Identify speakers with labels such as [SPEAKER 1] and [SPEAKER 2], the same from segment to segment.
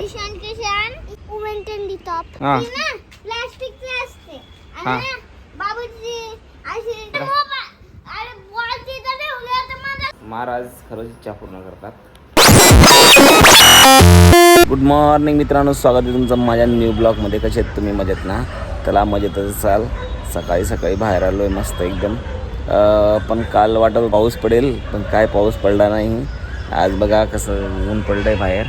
[SPEAKER 1] ईशान किशान उमेंटन दी top
[SPEAKER 2] हा.
[SPEAKER 1] ती ना प्लास्टिकची असते आणि ना बाबूजी अशी अरे बॉलची तर ठेवली आता मला
[SPEAKER 2] महाराज खरंच इच्छा पूर्ण करतात. गुड मॉर्निंग मित्रांनो, स्वागत आहे तुमचं माझ्या न्यू ब्लॉगमध्ये. कसे आहेत तुम्ही? मजेत ना? त्याला मजेतच असाल. सकाळी सकाळी बाहेर आलो आहे मस्त एकदम. पण काल वाटत पाऊस पडेल, पण काय पाऊस पडला नाही. आज बघा कसं ऊन पडलं आहे बाहेर.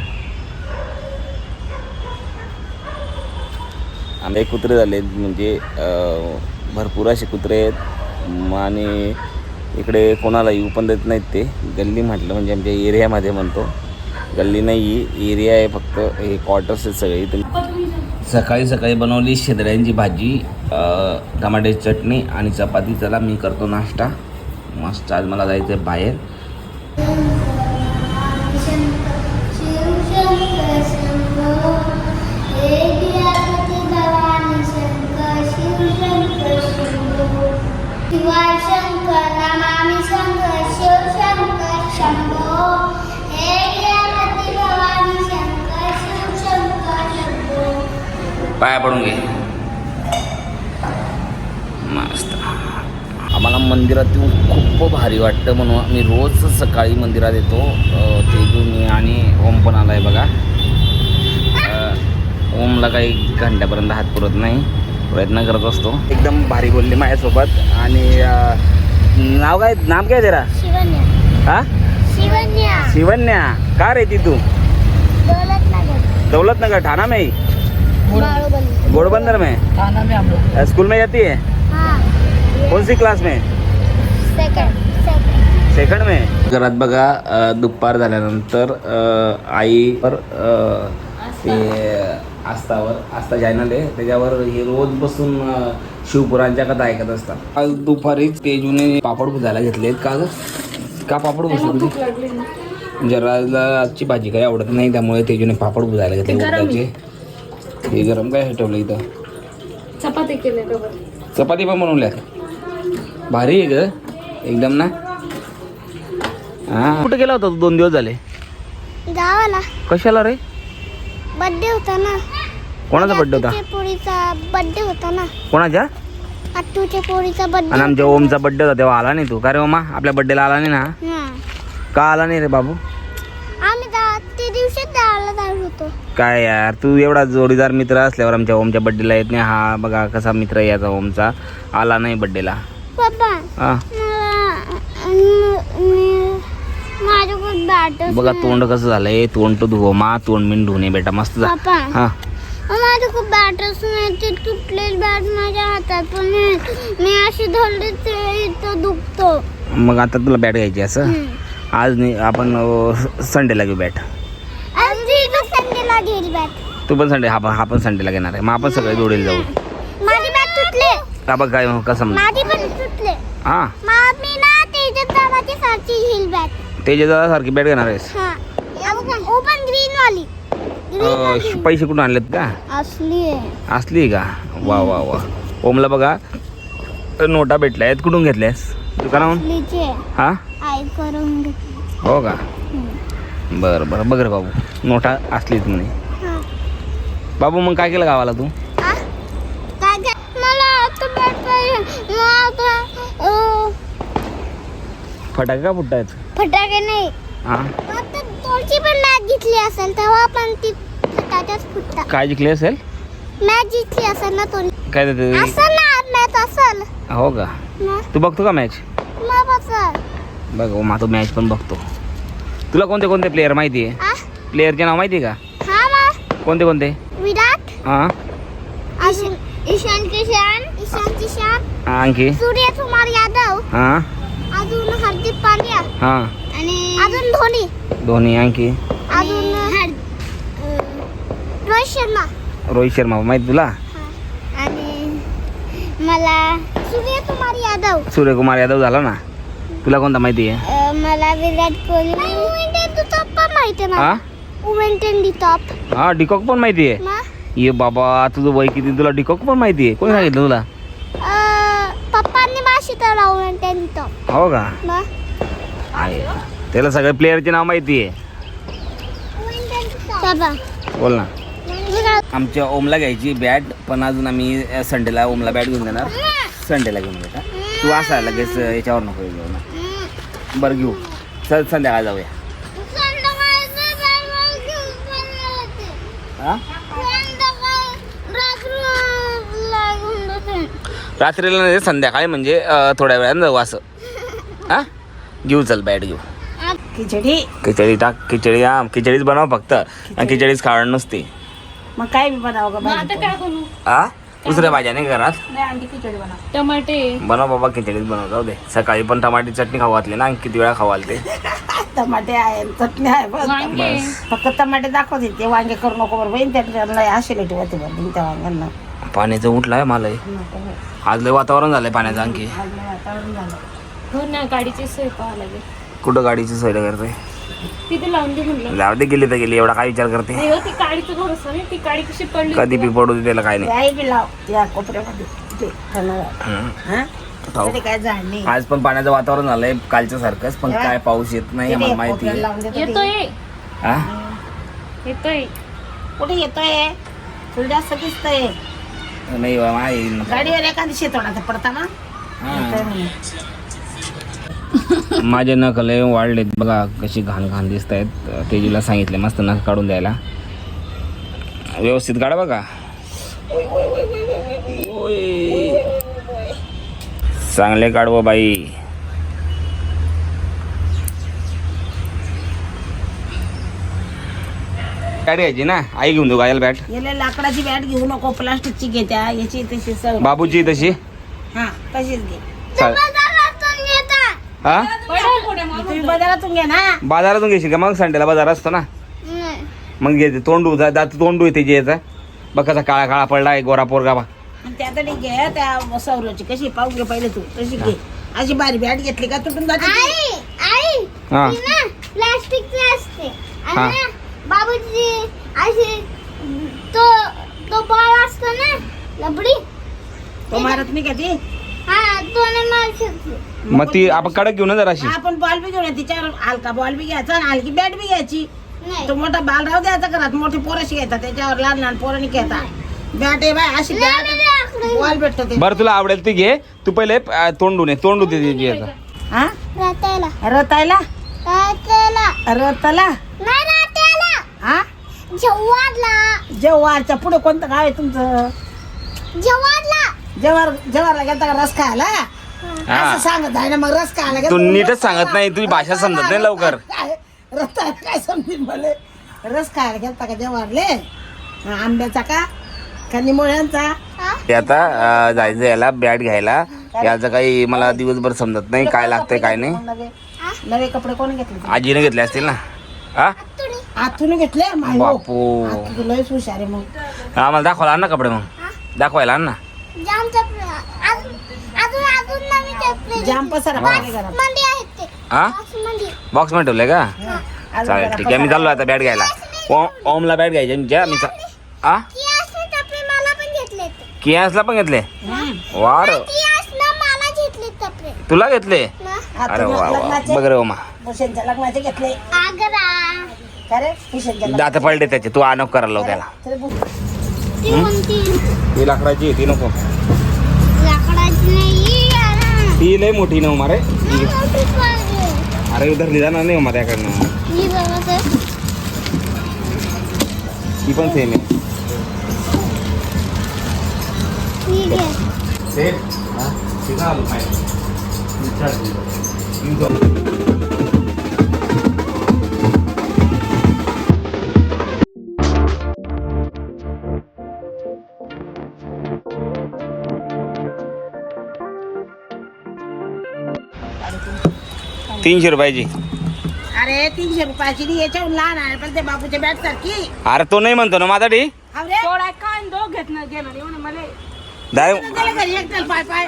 [SPEAKER 2] आमचे कुत्रे झाले म्हणजे भरपूर असे कुत्रे आहेत आणि इकडे कोणाला येऊ पण देत नाहीत. ते गल्ली म्हटलं म्हणजे आमच्या एरियामध्ये म्हणतो, गल्ली नाही एरिया आहे फक्त. हे क्वार्टर्स आहेत सगळे इथे. सकाळी सकाळी बनवली शेंद्र्यांची भाजी, टमाट्याची चटणी आणि चपाती. चला मी करतो नाश्ता मस्त. आज मला जायचं आहे बाहेर. पाया पडून घे मस्त. आम्हाला मंदिरात येऊन खूप भारी वाटतं म्हणून आम्ही रोज सकाळी मंदिरात येतो. तेजूनी आणि ओम पण आला आहे बघा. ओमला काही घंट्यापर्यंत हात पुरत नाही, प्रयत्न करत असतो. एकदम भारी बोलली माझ्यासोबत. आणि नाव काय तेरा?
[SPEAKER 1] शिवन्या.
[SPEAKER 2] हा
[SPEAKER 1] शिवन्या.
[SPEAKER 2] शिवन्या. का रे ती तू? दौलतनगर ठाणा में ही? घोड़बंदर में
[SPEAKER 3] थाना में हम लोग।
[SPEAKER 2] स्कूल में जाती है?
[SPEAKER 1] हाँ.
[SPEAKER 2] कौन सी क्लास में? सेकंड में. घरात बघा दुपार झाल्यानंतर आईवर ते आस्था चॅनल आहे त्याच्यावर हे रोज बसून शिवपुरांच्या कथा ऐकत असतात. आज दुपारी तेजूने पापड भुजायला घेतलेत. का पापड भुजले तुझे? जराला आजची भाजी काही आवडत नाही त्यामुळे तेजूने पापड भुजायला घेतले उडदाचे. हे गरम काय ठेवलं इथं?
[SPEAKER 3] चपाती केले.
[SPEAKER 2] चपाती पण बनवल्यात. भारी आहे ग एकदम ना. हा, कुठे गेला होता तू 2 दिवस झाले?
[SPEAKER 1] गावाला.
[SPEAKER 2] कशाला रे?
[SPEAKER 1] बर्थडे होता ना.
[SPEAKER 2] कोणाचा बर्थडे होता?
[SPEAKER 1] पोरीचा बर्थडे होता ना.
[SPEAKER 2] कोणाच्या?
[SPEAKER 1] अट्टूच्या पोरीचा बर्थडे.
[SPEAKER 2] आणि आमच्या ओमचा बर्थडे होता तेव्हा आला नाही तू? का रे ओमा, आपल्या बर्थडेला आला नाही ना? का आला नाही रे बाबू?
[SPEAKER 1] आम्ही ते दिवशी गावाला जात होतो.
[SPEAKER 2] काय यार, तू एवढा जोडीदार मित्र असल्यावर आमच्या ओमच्या बर्थडेला येत नाही. हा बघा कसा मित्र आहे याचा ओमचा, आला नाही बर्थडेला.
[SPEAKER 1] पप्पा
[SPEAKER 2] हा
[SPEAKER 1] माझं खूप बॅट.
[SPEAKER 2] बघा तोंड कसं झालंय. तोंड तो धुवो मा, तोंड मी धुणे बेटा मस्त जा.
[SPEAKER 1] पप्पा
[SPEAKER 2] हा
[SPEAKER 1] माझं खूप बॅटच नाही. ते तुटलेली बॅट माझ्या हातात पण मी अशी धरली ते इथं दुखतो.
[SPEAKER 2] मग आता तुला बॅट घ्यायची असं? आज नाही, आपण संडेला घेऊ बॅट.
[SPEAKER 1] संडेला घेईल बॅट.
[SPEAKER 2] तू पण संडे, हा पण संडेला घेणार आहे. मग आपण सगळे जोडीला जाऊ.
[SPEAKER 1] माझी बॅट तुटले.
[SPEAKER 2] का बघ काय कसं
[SPEAKER 1] माझी पण तुटले.
[SPEAKER 2] हा
[SPEAKER 1] मी ना तेजस दादाची सारखी घेईल बॅट.
[SPEAKER 2] तेजस सारखी बॅट घेणार आहेस?
[SPEAKER 1] हा ओपन ग्रीन वाली.
[SPEAKER 2] पैसे कुठून आणलेत का?
[SPEAKER 1] असली आहे.
[SPEAKER 2] असली का? वा वा वा. ओमला बघा नोटा भेटल्या आहेत. कुठून घेतल्यास? दुकानाहून?
[SPEAKER 1] असलीचे.
[SPEAKER 2] हा
[SPEAKER 1] आई करून घेतली.
[SPEAKER 2] हो का? बरं बरं. बघ रे बाबू, नोटा असलीच म्हणे. बाबू मग काय केलं गावाला तू?
[SPEAKER 1] मला आता बॅट पाहिजे.
[SPEAKER 2] फटाके का फुटतायत?
[SPEAKER 1] फटाके नाही.
[SPEAKER 2] हा
[SPEAKER 1] आता तुमची पण मॅच जिंकली असेल तेव्हा पण ती फटाक्याच फुटतात.
[SPEAKER 2] काय जिंकली असेल?
[SPEAKER 1] मॅच जिंकली असेल ना तुम्ही.
[SPEAKER 2] काय देते?
[SPEAKER 1] असेल ना मॅच असेल
[SPEAKER 2] हो का? तू बघतो का मॅच?
[SPEAKER 1] मग असेल.
[SPEAKER 2] बघ ओमा, तू मॅच पण बघतो. तुला कोणते कोणते प्लेयर माहिती आहे? प्लेयरचे नाव माहिती आहे का?
[SPEAKER 1] हा मग
[SPEAKER 2] कोणते कोणते?
[SPEAKER 1] विराट.
[SPEAKER 2] हा
[SPEAKER 1] अजून ईशान किशान.
[SPEAKER 2] आणखी?
[SPEAKER 1] सूर्यकुमार यादव.
[SPEAKER 2] हा
[SPEAKER 1] अजून हार्दिक पांड्या.
[SPEAKER 2] हा
[SPEAKER 1] आणि अजून
[SPEAKER 2] धोनी. आणखी?
[SPEAKER 1] अजून रोहित शर्मा.
[SPEAKER 2] रोहित शर्मा माहिती तुला?
[SPEAKER 1] आणि मला
[SPEAKER 2] सूर्यकुमार यादव झाला ना. तुला कोणता माहिती आहे?
[SPEAKER 1] मला विराट कोहली माहिती आहे.
[SPEAKER 2] हा
[SPEAKER 1] उमेंटन दी टॉप.
[SPEAKER 2] हा डिकॉक पण माहिती आहे? ये बाबा तुझं वय किती, तुला डिकॉक पण माहिती आहे? कोणी सांगितलं तुला?
[SPEAKER 1] पप्पांनी माशी तर उमेंटन दी टॉप.
[SPEAKER 2] हो का? आहे त्याला सगळे प्लेयरचे नाव माहिती आहे. बोल ना. आमच्या ओमला घ्यायची बॅट, पण अजून आम्ही संडेला ओमला बॅट घेऊन देणार. संडेला घेऊन देता तू असा लगेच याच्यावर नको घेऊ ना. बरं घेऊ, चल संध्याकाळी जाऊया. हा रात्रीला नाही, संध्याकाळी म्हणजे थोड्या वेळानं जाऊ असं. हा घेऊ, चल बॅट घेऊ. खिचडी टाक, खिचडी. हा खिचडीच बनव फक्त, आणि खिचडीच खावण नसते.
[SPEAKER 4] मग काय बनव
[SPEAKER 3] मग आता काय बनवू?
[SPEAKER 2] हा दुसऱ्या भाज्या नाही घरात.
[SPEAKER 4] नाही अंडी खिचडी बनव.
[SPEAKER 3] टमाटे
[SPEAKER 2] बनव बाबा, खिचडीच बनव. जाऊ दे, सकाळी पण टमाटी चटणी खाऊ घातली ना, किती वेळा खाऊ घालते.
[SPEAKER 4] टमाटे आहे, चटणी आहे, बस.
[SPEAKER 3] वांगे
[SPEAKER 4] फक्त टमाटे दाखवते, ते वांगे करू नको बरं बहीण. त्याला ऍसिडिटी होते बरं त्या वांग्यांना.
[SPEAKER 2] पाण्याचं उठलाय मला हे. आज लय वातावरण झालंय पाण्याचं. आणखी
[SPEAKER 4] वातावरण झालं.
[SPEAKER 3] हो ना, गाडीची सोय पाहावं लागेल.
[SPEAKER 2] कुठं गाडीची सोय करते?
[SPEAKER 3] तिथे लावून दे म्हणलं.
[SPEAKER 2] जाऊ दे, गेली तर गेली, एवढा काय विचार करते.
[SPEAKER 3] नाही हो, ती गाडीचं भरोसा नाही. ती गाडी कशी पडली
[SPEAKER 2] कधी बी पडू दे, त्याला काय नाही.
[SPEAKER 4] आई बी लाव त्या कोपऱ्यामध्ये ते खाणार. हा?
[SPEAKER 2] खाऊ.
[SPEAKER 4] तिथे काय झाड नाही.
[SPEAKER 2] आज पण पाण्याचं वातावरण झालंय कालच्या सारखंच, पण काय पाऊस येत नाही आम्हाला माहिती
[SPEAKER 4] कोपऱ्याला
[SPEAKER 2] आहे.
[SPEAKER 4] लावून देतो ते.
[SPEAKER 3] येतोय
[SPEAKER 2] हा
[SPEAKER 3] येतोय.
[SPEAKER 4] कुठे येतोय? तुला जास्त दिसतंय.
[SPEAKER 2] नाही बा, आहे.
[SPEAKER 4] गाडीवर एखादी शेतोडा पडता ना. येतोय म्हणे.
[SPEAKER 2] माझे नख लय वाढलेत बघा, कशी घाण घाण दिसत आहेत. तेजूला सांगितले मस्त नख काढून द्यायला. व्यवस्थित काढा बघा. चांगले काढव बाई. बॅट घ्यायची ना, आई घेऊन देऊ गायला बॅट.
[SPEAKER 4] याला लाकडाची बॅट घेऊ नको, प्लास्टिकची घे. त्या याची तशी सवय.
[SPEAKER 2] बाबूची तशी.
[SPEAKER 4] हा तशीच घे.
[SPEAKER 2] चाल. हा
[SPEAKER 4] तुम्ही बाजारातून घ्या ना.
[SPEAKER 2] बाजारातून घेशील का? मग संडेला बाजार असतो ना, मग घे. तोंडू दात तोंडू येते जे याचा बघ, कसा काळा काळा पडलाय गोरा पोरगा बा.
[SPEAKER 4] आणि त्यातडी घे त्या सौरची कशी पाहू घे पहिले तू तशी घे. अशी बारी बॅट घेतली का तुटून जाते ती.
[SPEAKER 2] हा
[SPEAKER 1] प्लास्टिकची असते.
[SPEAKER 2] हा.
[SPEAKER 1] आणि बाबूजी अशी तो बॉल असतो ना, लबडी.
[SPEAKER 4] तो मारत नाही का ती.
[SPEAKER 1] हा, तो नाही मारू शकतो.
[SPEAKER 2] मग ती आपण कडक घेऊ ना जराशी.
[SPEAKER 4] आपण बॉल बी घेऊन तिच्यावर हलका बॉल बी घ्यायचा आणि हलकी बॅट बी घ्यायची.
[SPEAKER 1] नाही.
[SPEAKER 4] तो मोठा बाल राहू द्यायचा घरात. मोठी पोराशी घ्यायचा, त्याच्यावर लहान लहान पोरांनी घ्यायचा. बॅट आहे बाय अशी बॅट बॉल भेटतो ते.
[SPEAKER 2] बरं तुला आवडेल ती घे. तू पहिले तोंडू नये, तोंडू दे याचा.
[SPEAKER 4] हा
[SPEAKER 1] रात्याला
[SPEAKER 4] रतायला रताला
[SPEAKER 1] नाही, रात्याला
[SPEAKER 4] हा
[SPEAKER 1] जव्हारला.
[SPEAKER 4] जव्हारच्या पुढे कोणतं गाव आहे तुमचं? जव्हारला गेलता का रस खायला?
[SPEAKER 2] हा.
[SPEAKER 4] असं सांगत आहे ना, मग रस खायला
[SPEAKER 2] तू
[SPEAKER 4] गेलता.
[SPEAKER 2] नीटच सांगत नाही, तुझी भाषा समजत नाही लवकर.
[SPEAKER 4] काय रताळा काय समजेल मला? रस खायला गेलता का जव्हारले? आंब्याचा का निमोळ्यांचा?
[SPEAKER 2] ते आता जायचं याला बॅट घ्यायला. याचं काही मला दिवसभर समजत नाही काय लागतंय काय नाही.
[SPEAKER 4] नवे कपडे कोण घेतले?
[SPEAKER 2] आजीने घेतले असतील ना. हा
[SPEAKER 4] आतून घेतले.
[SPEAKER 2] बापू,
[SPEAKER 4] लयच हुशार आहे मग.
[SPEAKER 2] आम्हाला दाखवायला आण ना कपडे. मग दाखवायला आण ना.
[SPEAKER 1] जाम चपले. अजून नवीन चपले.
[SPEAKER 4] जाम पसारा पाहिजे घरात.
[SPEAKER 1] मंदी आहेत ते.
[SPEAKER 2] हा
[SPEAKER 1] मंदी.
[SPEAKER 2] बॉक्स मध्ये ठेवलंय का?
[SPEAKER 4] अजून
[SPEAKER 2] चालेल
[SPEAKER 4] जरा
[SPEAKER 2] ठीक आहे, मी चाललो आता बॅट घ्यायला. ओमला बॅट घ्यायची मी. हा
[SPEAKER 1] कियासने चपले मला पण घेतले ते.
[SPEAKER 2] कियासला पण घेतले. वार
[SPEAKER 1] कियासनं मला घेतले चपले.
[SPEAKER 2] तुला घेतले.
[SPEAKER 1] ना.
[SPEAKER 2] अरे वा वा,
[SPEAKER 4] लग्नाचे
[SPEAKER 2] बघ रे ओमा.
[SPEAKER 4] भूषणच्या लग्नाचे घेतले
[SPEAKER 1] आग्रा.
[SPEAKER 4] का रे? भूषणच्या
[SPEAKER 2] दात पडले त्याचे, तू आणव करायला लाव त्याला.
[SPEAKER 1] ती कोणती?
[SPEAKER 2] ती लाकडाची ती नको.
[SPEAKER 1] लाकडाची नाही यार.
[SPEAKER 2] ती लय मोठी ना उमा रे.
[SPEAKER 1] मोठी पाहिजे.
[SPEAKER 2] अरे धरली जाणार नाही उमा त्याकडनं.
[SPEAKER 1] ही बघा तर.
[SPEAKER 2] ती पण सेम आहे.
[SPEAKER 1] ठीक आहे.
[SPEAKER 2] सेम हा सीधा आलो पाहिजे. ₹300
[SPEAKER 4] अरे 300 रुपयाची नाही, याच्याहून लहान आहे पण ते बाबूच्या बॅट सारखी.
[SPEAKER 2] अरे तो नाही म्हणतो ना माझा डी.
[SPEAKER 4] अरे
[SPEAKER 3] काय दो घेतलं गेलं येऊन मला.
[SPEAKER 4] त्याला घरी एकट्याला पाय पाय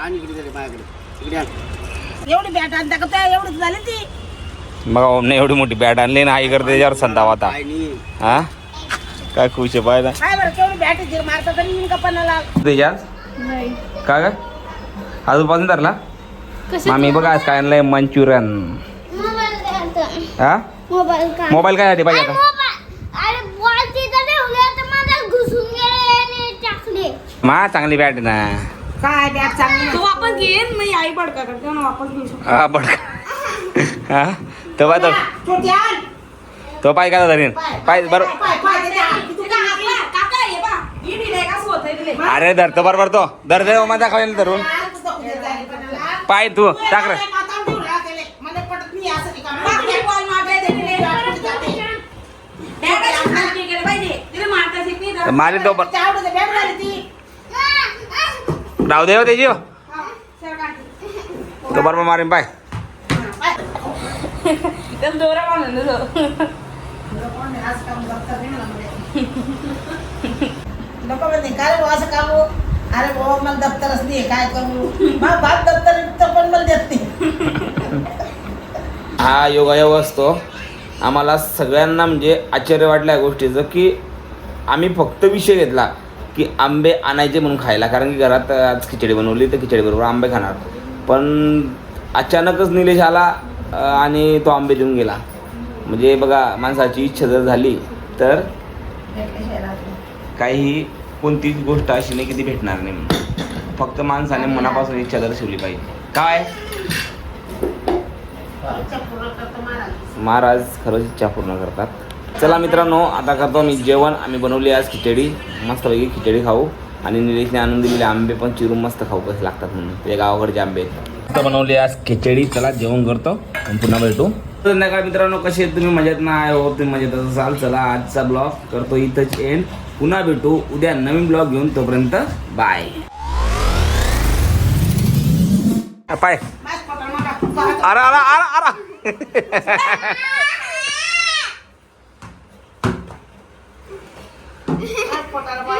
[SPEAKER 4] एवढी बॅट आणता का त्या एवढीच झाली ती.
[SPEAKER 2] बघा ओमने एवढी मोठी बॅट आणली ना, आई करते त्याच्यावर संताव आता. हा काय खुश आहे पाहिजे
[SPEAKER 4] काय बरं केवढी बॅट आहे, मारता तरी येईन का पन्नाला.
[SPEAKER 2] त्याच्यात
[SPEAKER 3] नाही
[SPEAKER 2] का काय आजूबाजून धरला.
[SPEAKER 3] कसं
[SPEAKER 2] मामी बघा आज काय आणलंय मंचुरियन.
[SPEAKER 1] मोबाईल द्यायचा.
[SPEAKER 2] हा
[SPEAKER 1] मोबाईल का?
[SPEAKER 2] मोबाईल काय साठी पाहिजे आता?
[SPEAKER 1] मोबाईल. अरे बॉल तिथं ठेवले
[SPEAKER 2] मा चांगली बॅट ना
[SPEAKER 4] काय बॅग चांगली
[SPEAKER 3] तो वापस घेईन मी आई बडका करते ना वापस घेऊ शकतो.
[SPEAKER 2] हा बड हा तो पाय
[SPEAKER 4] छोटी आण.
[SPEAKER 2] तो पाय का धरीन पाय बरोबर
[SPEAKER 4] पाय पाय दे आण. तू काय हाकला?
[SPEAKER 3] काका ये बा ही दिले का होत दिले
[SPEAKER 2] अरे धरतो बरोबर तो धर दे माझा खाऊन धरून पाय तू टाक रे
[SPEAKER 4] मला पटत नाही असं नाही का?
[SPEAKER 3] बाकी बॉल मारले दिले बॅट खाली गेले पाहिजे तिला मारता शिक नाही
[SPEAKER 2] मारी तो पण
[SPEAKER 4] आवडत बॅग झाली ती.
[SPEAKER 2] राहू दे हो त्याची हो. तो बरोबर मारीन पाय
[SPEAKER 3] त्याला दोरा बांधून देतो.
[SPEAKER 4] नको म्हणे काय भाऊ असं काम अरे भाऊ मला दप्तरच नाही काय करू मग बाप दप्तर पण मला देत नाही.
[SPEAKER 2] हा योगायोग असतो आम्हाला सगळ्यांना म्हणजे आश्चर्य वाटलं या गोष्टीचं की आम्ही फक्त विषय घेतला की आंबे आणायचे म्हणून खायला कारण की घरात आज खिचडी बनवली तर खिचडीबरोबर आंबे खाणार पण अचानकच निलेश आला आणि तो आंबे देऊन गेला म्हणजे बघा माणसाची इच्छा जर झाली तर काही कोणतीच गोष्ट अशी नाही की ती भेटणार नाही म्हणून फक्त माणसाने मनापासून इच्छा दर्शवली पाहिजे काय महाराज खरंच इच्छा पूर्ण करतात. चला मित्रांनो आता करतो मी जेवण आम्ही बनवली आज खिचडी मस्तपैकी खिचडी खाऊ आणि निलेशने आणून दिलेले आंबे पण चिरून मस्त खाऊ कसे लागतात म्हणून ते गावाकडचे आंबे आहेत. बनवली आज खिचडी चला जेवण करतो आणि पुन्हा भेटू संध्याकाळ. मित्रांनो कसे तुम्ही मजेत नाही हो तुम्ही मजेत असाल चला आजचा ब्लॉग करतो इथंच एंड पुन्हा भेटू उद्या नवीन ब्लॉग घेऊन तोपर्यंत बाय पाय अरे अरे अरे अरे
[SPEAKER 4] पोटाला